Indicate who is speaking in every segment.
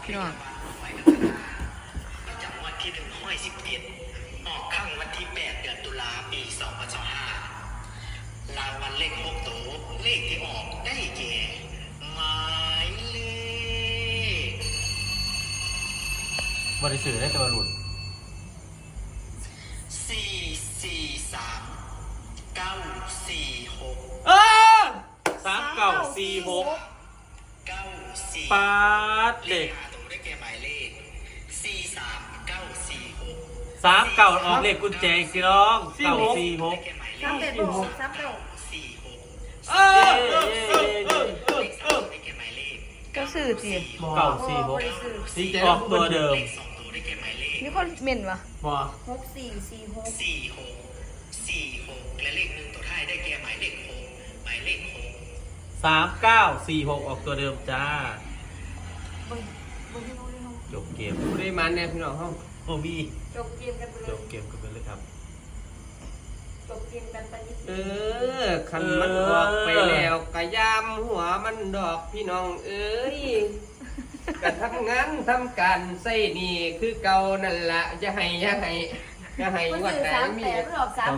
Speaker 1: พี่น้อง
Speaker 2: ประจำวันที่1/17ออกข้างวันที่8เดือนตุลาปี2025รางวัลเลข6ตัวเลขที่ออกได้แก่หมายเลข
Speaker 3: บริสุทธิ์ได้ตัวหลุด
Speaker 2: 443 946
Speaker 3: เออ3946ปาดเด็ก
Speaker 2: ตัวได้แก่หมายเลข43946
Speaker 3: 39ออกเลขกุญแจอีกสิน้อง946
Speaker 1: เออก็สื่อจี
Speaker 3: 946สีออกตัวเดิม
Speaker 1: มีคนเหม็นวะ
Speaker 3: บ่
Speaker 2: 46และเลข1ตัวท้ายได้แก่หมายเลข6หมายเลข
Speaker 3: 3946ออกตัวเดิมจ้าจบเกม
Speaker 4: ผู้ได้มันเนี่ยพี่น้องห้อง
Speaker 3: โอ้มี
Speaker 1: จบเกมกันไปเล
Speaker 3: จ
Speaker 1: ย
Speaker 3: บเกมกันไปเลยครับ
Speaker 1: จบเกมกันไปนิด
Speaker 4: คันมันออกไปแล้วกะยามหัวมันดอกพี่น้องเอ้ยกะทำงานทำการใส่นี่คือเก่านั่นละจะให้
Speaker 1: มัน
Speaker 4: วัด
Speaker 1: สื่อ
Speaker 4: ไหน
Speaker 1: 38
Speaker 4: มี
Speaker 1: มันออก39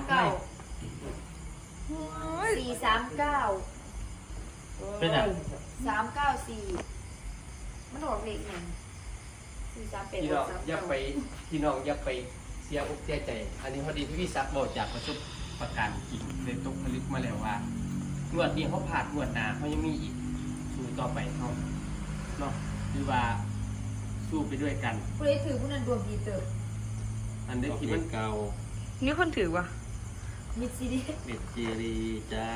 Speaker 3: เป็นอ่ะ
Speaker 1: 394มันออกเลขหนึ่ง438
Speaker 4: พี่น้องอย่าไปพี่น้องอย่าไปเสียอกเสียใจ อันนี้พอดีพี่ซักบอกจากประสบประกันอีกเลยตกผลึกมาแล้วว่างวดนี้เขาผ่านงวดหน้าเขายังมีอีกสู้ต่อไปเขาเนาะคือว่าสู้ไปด้วยกัน
Speaker 1: ผู้ใดถือผู้นั้นดวงดีเติบ
Speaker 4: อันนี้ที่มันเก่า
Speaker 1: นี่คนถือวะมิดซีดี
Speaker 3: เด็ดเจรีจ้า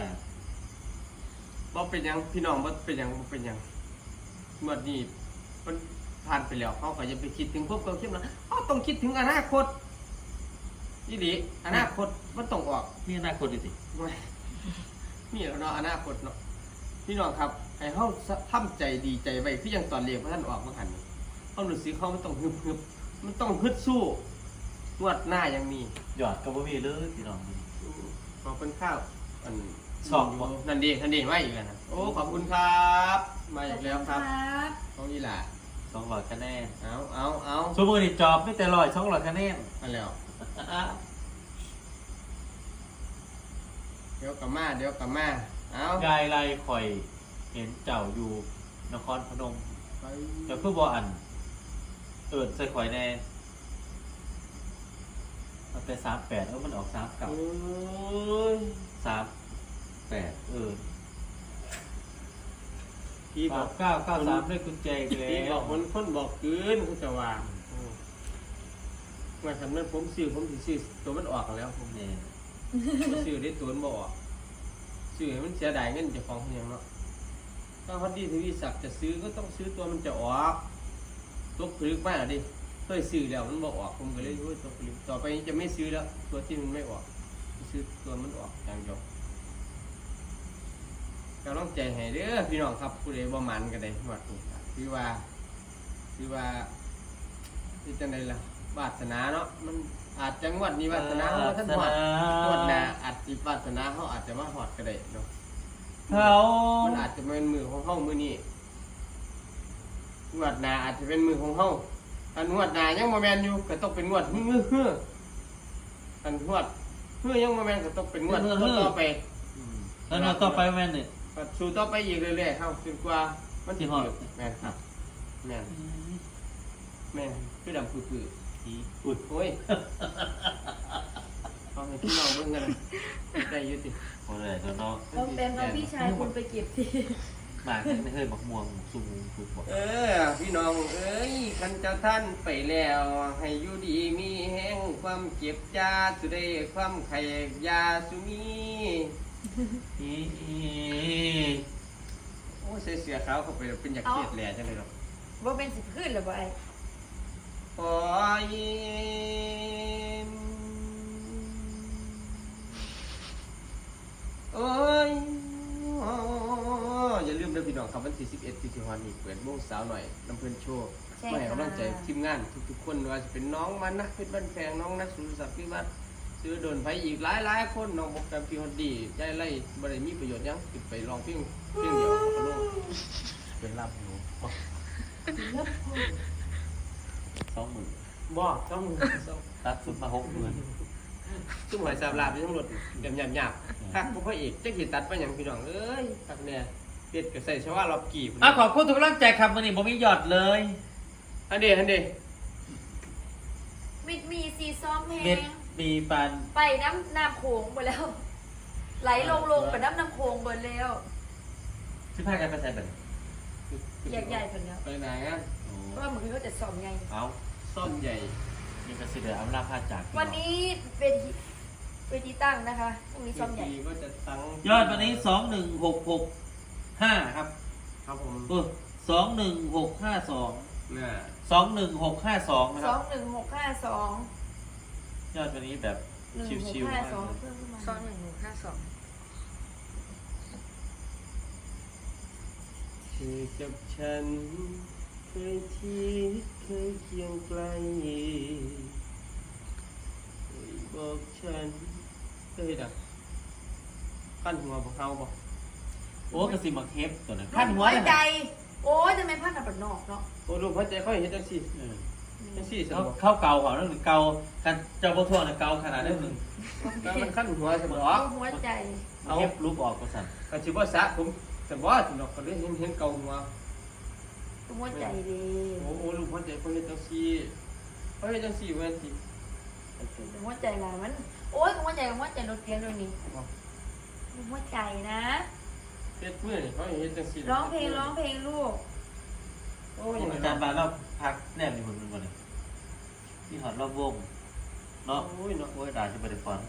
Speaker 4: บ่เป็นหยังพี่น้องบ่เป็นหยังงวดนี้มันผ่านไปแล้วเขาก็จะไปคิดถึงพวกเขาเข้มนะเขาต้องคิดถึงอนาคตนี่ดิอนาคตมันต้องออก
Speaker 3: นี่น่าคนดิสิ
Speaker 4: นี่แล้วเนาะอนาคตเนาะพี่น้องครับให้เขาทำใจดีใจไว้คือยังตอนเรียนพระท่านออกมาหันเขารู้สึกเขามันต้องฮึบมันต้องฮึดสู้งวดหน้ายังมี
Speaker 3: หยอดกับบ่มีเลยพี่น้อง
Speaker 4: ขอบคุณข้าวอัน
Speaker 3: ชอบบ่
Speaker 4: นันดีมาอีกแล้วนะโอ้ขอบคุณครับมาอีกแล้วครับเขาอีหล่ะ
Speaker 3: 200คะแนน
Speaker 4: เอา
Speaker 3: ชั่วโมงนี้จอบไม่แต่200คะแนน
Speaker 4: มาแล้วเดี๋ยวกลับมาเอา
Speaker 3: ยายไรข่อยเห็นเจ้าอยู่นครพนม
Speaker 4: ไป
Speaker 3: เจ้าคือบ่อันใส่ข่อยแน่มันเป็น38มันออก39
Speaker 4: โอ้ย
Speaker 3: 38
Speaker 4: พี่บอก
Speaker 3: 3993ด้วยกุญแจอีกแล้
Speaker 4: พี่บอ
Speaker 3: ว
Speaker 4: กคนบอกเกินเขาจะวางว่าทำนั้นผมซื้อตัวมันออกแล้วผม
Speaker 3: นี่
Speaker 4: ซื้อได้ตัวมันบ่ออกซื้อให้มันเสียดายเงินเจ้าของเพียงเนาะถ้าพอดีทวีศักดิ์จะซื้อก็ต้องซื้อตัวมันจะออกตกผลึกมากดิเคยซื้อแล้วมันบ่ออกผมก็เลยตกผลึกต่อไปจะไม่ซื้อแล้วตัวที่มันไม่ออกซื้อตัวมันออกอย่างเดียวกำลังใจให้เด้อพี่น้องครับผู้ใดบ่มันก็ได้หมดนี่คือว่าที่จังไดล่ะวาสนาเนาะมันอาจจะงวดนี้วาสนาเฮาท่านหอดงวดหน้าอาจสิวาสนาเฮาอาจจะมาหอดก็ได้เนาะ
Speaker 3: เขา
Speaker 4: มันอาจจะเป็นมือของเฮามื้อนี้งวดหน้าอาจจะเป็นมือของเฮาอันงวดหน้ายังบ่แม่นอยู่ก็ต้องเป็นงวดฮืออันงวดยังบ่แม่นก็ต้องเป็นงวดต่อไป
Speaker 3: แล้วเราต่อไปแม่นนี่
Speaker 4: ก็สู้ต่อไปอีกเรื่อยๆเฮาจนกว่ามันสิฮอดแม่นครับแม่นคือดำปื้อ
Speaker 3: อุ้ย
Speaker 4: โอ้ยเอาให้พี่น้องเบิ่งกันได้อยู่ติ
Speaker 3: โอ้ยเนาะ
Speaker 1: ต้องเป็นเอาพี่ชายคุณไปเก็บที
Speaker 3: หมากไม่เคยบักม่วงสูงถูกบอก
Speaker 4: พี่น้องเอ้ยคันเจ้าท่านไปแล้วให้อยู่ดีมีแห้งความเจ็บยาสุได้ความไข่ยาสุมีโอ้ยใส่เสื้อขาวเข้าไปแล้วเป็นอยากเครียดแหล่จังเลยหรอก
Speaker 1: ว่าเป็นสิบขึ้นหรือเปล่าไอ้
Speaker 4: โอ้ยโอ้ยอย่าลืมนะพี่น้องครับวันที่11ที่สิงหาคมนี้เปิดวงสาวหน่อยน้ำเพื่อนโชว์มาให้กำลังใจทีมงานทุกๆคนว่าจะเป็นน้องมันนะเพชรบ้านแพงน้องนักสุรศักดิ์พิวัตรซื้อโดนไปอีกหลายคนน้องบอกกันพี่ฮอดดีใจไล่บ่ได้มีประโยชน์ยังติดไปลองเพียงเดียวก็ลง
Speaker 3: เป็นลาบหนู 20,000
Speaker 4: บ่ต้อง
Speaker 3: ตัดสุดมา60,000
Speaker 4: จุ่มหอยสาบลาบอยู่ทั้งหมดแบบหยาบๆคักบ่พระเอกจักสิตัดไปหยังพี่น้องเอ้ยคักแน่เป็ดก็ใส่ชวารอบกี่พุ่น
Speaker 3: ขอบคุณทุกกำลังใจครับวันนี้ผมมีหยอดเลย
Speaker 4: อันเด
Speaker 1: มีซีซ้อมเพล
Speaker 3: เม็ด
Speaker 1: ง
Speaker 3: มีปาน
Speaker 1: ไปน้ำโขงหมดแล้ว ไหลลงไปน้ำโขงหมดแล้ว
Speaker 3: ที่พากันไปใส่แบบ
Speaker 1: ใหญ่ๆคนแล้ว
Speaker 4: ไปไหนอ่ะ
Speaker 1: เพราะว่าเหมือนเขาจะซ้อมไง
Speaker 3: เอา
Speaker 4: ซ่อมใหญ่
Speaker 3: นี่ก็สิเดืออำลาพาจาก
Speaker 1: วันนี้เวทีตั้งนะคะพรุ่งนี้ซ้อมใหญ่
Speaker 4: ทีก็จะตั้ง
Speaker 3: ยอดวันนี้21665ครับ
Speaker 4: ครับผม
Speaker 3: 21652
Speaker 4: น่ะ
Speaker 3: 21652นะค
Speaker 1: ส
Speaker 3: รั
Speaker 1: อบ งหนึ่งหกห้าสอง
Speaker 3: ยอดวันนี้แบบ
Speaker 1: หนึ่งหก
Speaker 3: ชิวๆาก
Speaker 1: ห้ามสอง
Speaker 3: เลย
Speaker 1: เพิ่มขึ้นมา
Speaker 4: คือกับฉันเคยที่เคยเคียงไกลเคยบอกฉันเคยดักขั้นหัวพวกเขาบอก
Speaker 3: โอ้กระสิมักเฮฟตัวนั้น
Speaker 1: พั
Speaker 3: ขั้
Speaker 1: น
Speaker 3: น
Speaker 1: หั
Speaker 3: หั
Speaker 1: ว
Speaker 3: วเลย
Speaker 1: ใจ
Speaker 3: นะ
Speaker 1: โอ้ยทำไมพันกับปนอกเนาะ
Speaker 4: โอ้ดูพระใจเขาเห็นจังสิ
Speaker 3: เออ
Speaker 4: จังสิสม
Speaker 3: เขา
Speaker 4: บอก
Speaker 3: เข้าเกาเขาเรื่องหนึ่งเกากันเจ้าพ่อทั่วเนี่ยเกาขนาดนั้นหนึ่ง
Speaker 4: แล้วมันขั้นหัวสมบอ
Speaker 1: เอา
Speaker 4: ก
Speaker 1: หัวใจ
Speaker 3: เอาเฮฟรูปออกก็สั่น
Speaker 4: ก็ชิบ่สะผมสมบอกสมบอกก็เลยเห็นเกาหัว
Speaker 1: หัวใจดี
Speaker 4: โอ้ลูกพระใจเขาเห็นจังสิเขาเห็นจังสิเว้ยสิ
Speaker 1: หัวใจลายมัน โอ้ยหัวใจรถเกียร์ด้วยนี่หัวใจนะ
Speaker 4: เฮ็ดมือนี่เขาเห็นจังสิ
Speaker 1: ร้องเพลงลูก
Speaker 4: โอ้ย
Speaker 3: อาจารย์บานเราพักแนบอยู่บนบนเลยที่หอดรอบวงเนาะ
Speaker 4: โอ้ยเนาะ
Speaker 3: โอ้ยด่าจะไปได้ฟอน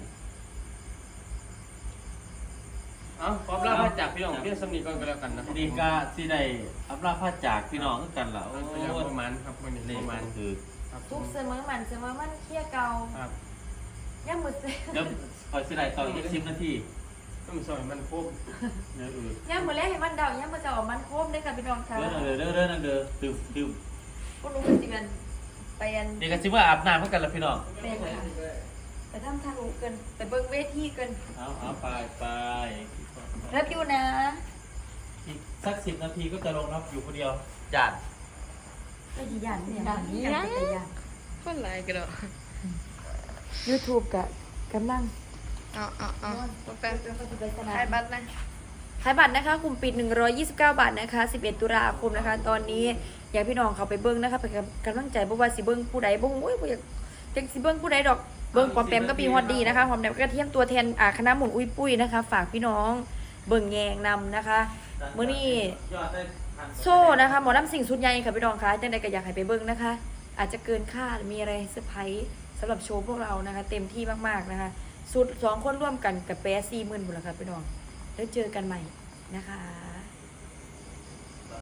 Speaker 4: เอาขอบลาพระจากพี่น้องเพียงสำนีก่อนก็แล้วกันนะครับ
Speaker 3: นี่ก็สิได้อำลาพาจากพี่น้องคือกันล่ะโอ้
Speaker 4: โอ้
Speaker 3: ย
Speaker 4: ยประมาณครับวันนี้
Speaker 3: นี่
Speaker 4: ประมาณ
Speaker 3: ก็คือ
Speaker 4: ครับผ
Speaker 1: ทุก
Speaker 4: ม
Speaker 1: เสมอมันเคี่ยเกา
Speaker 4: ครับ
Speaker 1: ย่ามือเส
Speaker 3: เดี๋ยวคอยสิได้ตอน20 นาที
Speaker 4: ต้องสอยมันครบ
Speaker 3: เดี๋ยว
Speaker 1: ย่ามือแรกให้มันเดาย่ามือจะออกมันโคมได้ค่ะพี่น้องค่ะ
Speaker 3: เด้อดื่ม
Speaker 1: พวกหนูเป็นสิมันไปอัน
Speaker 3: นี่ก็สิว่าอาบน้ำเหมือนกันล่ะพี่น้อง
Speaker 1: เป็นค่ะไปทำทารุเกินไปเบิ้งเวทีเกิน
Speaker 3: เอาไป
Speaker 1: รับอยู่นะ
Speaker 3: อีกสัก10 นาทีก็จะลงรับอยู่คนเดียวจาน
Speaker 1: ก็ยียันเนี่ยยัน
Speaker 5: คนไรกันเนาะ
Speaker 1: YouTube กะกำลัง
Speaker 5: เอาแป๊บ
Speaker 1: ไปสนาม
Speaker 5: ขายบัตรนะ
Speaker 1: ขายบัตรนะคะกลุ่มปิด129 บาทนะคะ11ตุลาคมนะคะ ตอนนี้อยากพี่น้องเขาไปเบิ้งนะคะไปกำลังใจบ่ว่าสิเบิ้งผู้ใดบ่โอ้ยบ่อยากจังสิเบิ้งผู้ใดดอกเบิ้งปอมแปมก็ปีฮอดดีนะคะหอมแดมก็เทียมตัวแทนคณะหมุนอุ้ยปุ้ยนะคะ ฝากพี่น้องเบิ้งแยงนำนะคะมื้อนี้
Speaker 3: ยอดได้
Speaker 1: โซ่นะคะหมอลำสิ่งสุดใหญ่ค่ะพี่น้องคะจังใดก็อยากให้ไปเบิ้งนะคะ อาจจะเกินคาดมีอะไรเซอร์ไพรส์สำหรับโชว์พวกเรานะคะ เต็มที่มากๆนะคะสุด2 คนร่วมกันกับแปะ40,000บุญละค่ะพี่น้องแล้วเจอกันใหม่นะคะ